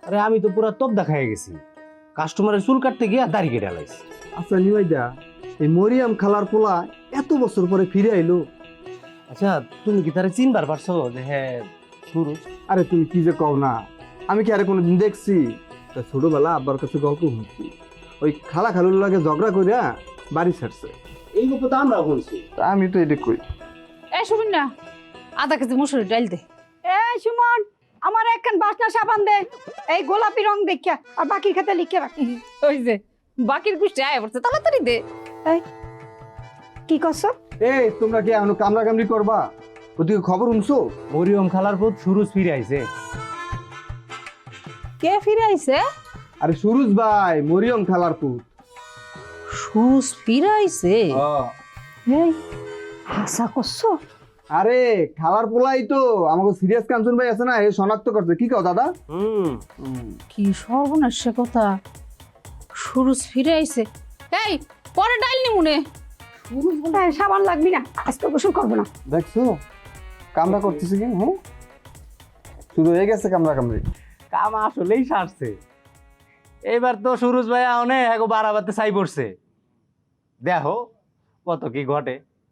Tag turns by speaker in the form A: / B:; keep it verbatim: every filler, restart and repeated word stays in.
A: আরে আমি তো পুরা তপ দেখায় গেছি, কাস্টমারের চুল কাটতে গিয়া দাড়ি কেটে লাইছি।
B: আচ্ছা নিমাইদা, এই মরিয়াম খালার পোলা এত বছর পরে ফিরে আইলো।
A: আচ্ছা তুমি কি তারা চিনবার পারছো যে হ্যাঁ সুরজ?
B: আরে তুমি কি যে কও না, আমি কি আরে কোনোদিন দেখছি? তা ছোটবেলা আব্বার কাছে গল্প শুনছি, ওই খালা খালুর লাগে ঝগড়া কইরা বাড়ি ছাড়ছে।
A: এই গল্প তো আমরা শুনছি।
B: তা আমি তো এটা কই।
C: এ শুনুন না, আধা কেজি মুসুরি ডাল দে।
D: এই সুমন, আমার একখান বাসনা সাবান দে, এই গোলাপি রং দেখিয়া, আর বাকি খাতে লিখে রাখ।
C: ওই যে বাকির গুষ্টি আয় পড়ছে, তাড়াতাড়ি দে।
D: এই কি করছো?
B: এই তোমরা কি এখনো কামড়া কামড়ি করবা? ওদিকে খবর শুনছো?
A: মরিয়ম খালার পুত সুরজ ফিরে আইছে।
C: কে ফিরে আইছে?
B: আরে সুরুজ ভাই, মরিয়ম খালার পুত।
C: সুরজ ফিরে আইছে?
D: এই হাসা করছো?
B: আরে খালার পোলাই তো আমাকে সিরিয়াস কাঞ্চন ভাই আছে না, এ শনাক্ত করছে। কি কও দাদা?
A: হুম
C: কি সর্বনাশ কথা, সুরজ ফিরে আইছে। এই পরে ডাল নি মনে।
D: এই, সাবান লাগবি না, আজকে গোসল করবো না।
B: দেখছো কামড়া করতেছে কি? হ্যাঁ, শুরু হয়ে গেছে কামড়া কামড়ি।
A: কাম আসলেই সারছে। এবার তো সুরজ ভাই অনেক বাড়াবাতে চাই পড়ছে, দেখো কত কি ঘটে।